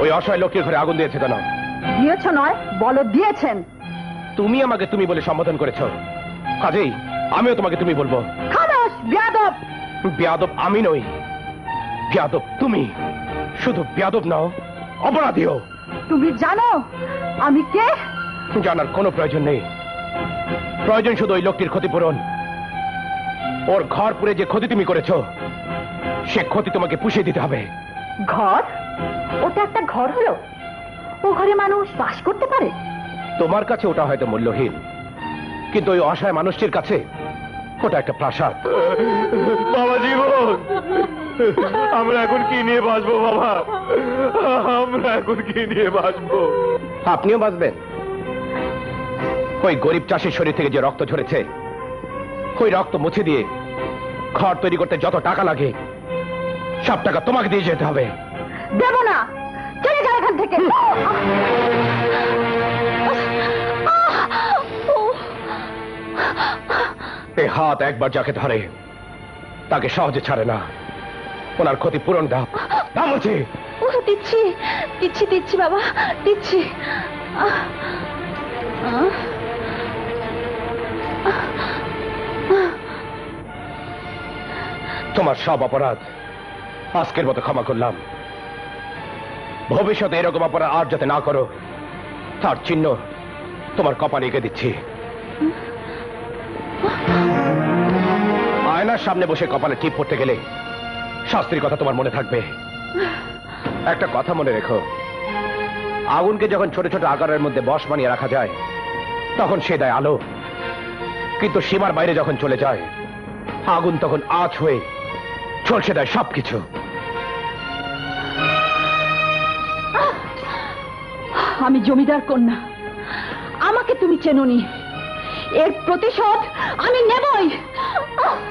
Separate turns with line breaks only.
ওই অসহায় লোকের ঘরে আগুন দিয়েছে কেন?
দিয়েছ নয়, বলো দিয়েছেন।
তুমি আমাকে তুমি বলে সম্বোধন করেছো, কাজেই আমিও তোমাকে তুমি বলবো।
খামোশ বেয়াদব!
বেয়াদব আমি নই, বেয়াদব তুমি। শুধু বেয়াদব নাও, অপরাধীও।
তুমি জানো আমি কে?
জানার কোনো প্রয়োজন নেই, প্রয়োজন শুধু ওই লোকটির ক্ষতিপূরণ। ওর ঘর পুড়ে যে ক্ষতি তুমি করেছো, সে ক্ষতি তোমাকে পুষিয়ে দিতে হবে।
ঘর? ওটা একটা ঘর হলো? ও ঘরে মানুষ বাস করতে পারে?
তোমার কাছে ওটা হয়তো মূল্যহীন, কিন্তু ওই অসহায় মানুষটির কাছে ওটা একটা প্রাসাদ।
বাবা জীবন, আমরা এখন কি নিয়ে বাঁচবো বাবা? আমরা এখন কি নিয়ে বাঁচবো?
আপনিও বাঁচবেন। ওই গরিব চাষির শরীর থেকে যে রক্ত ঝরেছে, ওই রক্ত মুছে দিয়ে ঘর তৈরি করতে যত টাকা লাগে, সব টাকা তোমাকে দিয়ে যেতে হবে।
দেব না, চলে যাও এখান থেকে।
এই হাত একবার যাকে ধরে তাকে সহজে ছাড়ে না। ওনার ক্ষতি পূরণ দাও, দাও বলছি।
দিচ্ছি দিচ্ছি দিচ্ছি বাবা, দিচ্ছি।
তোমার সব অপরাধ আজকের মতো ক্ষমা করলাম। ভবিষ্যতে এরকম অপরাধ আর যাতে না করো, তার চিহ্ন তোমার কপালে এঁকে দিচ্ছি। আয়নার সামনে বসে কপালে টিপ পড়তে গেলে শাস্ত্রীর কথা তোমার মনে থাকবে। একটা কথা মনে রেখো, আগুনকে যখন ছোট ছোট আকারের মধ্যে বশ বানিয়ে রাখা যায়, তখন সে দেয় আলো। কিন্তু সীমার বাইরে যখন চলে যায়, আগুন তখন আঁচ হয়ে ঝলসে দেয় সবকিছু।
আমি জমিদার কন্যা, আমাকে তুমি চেনোনি, এর প্রতিশোধ আমি নেবই।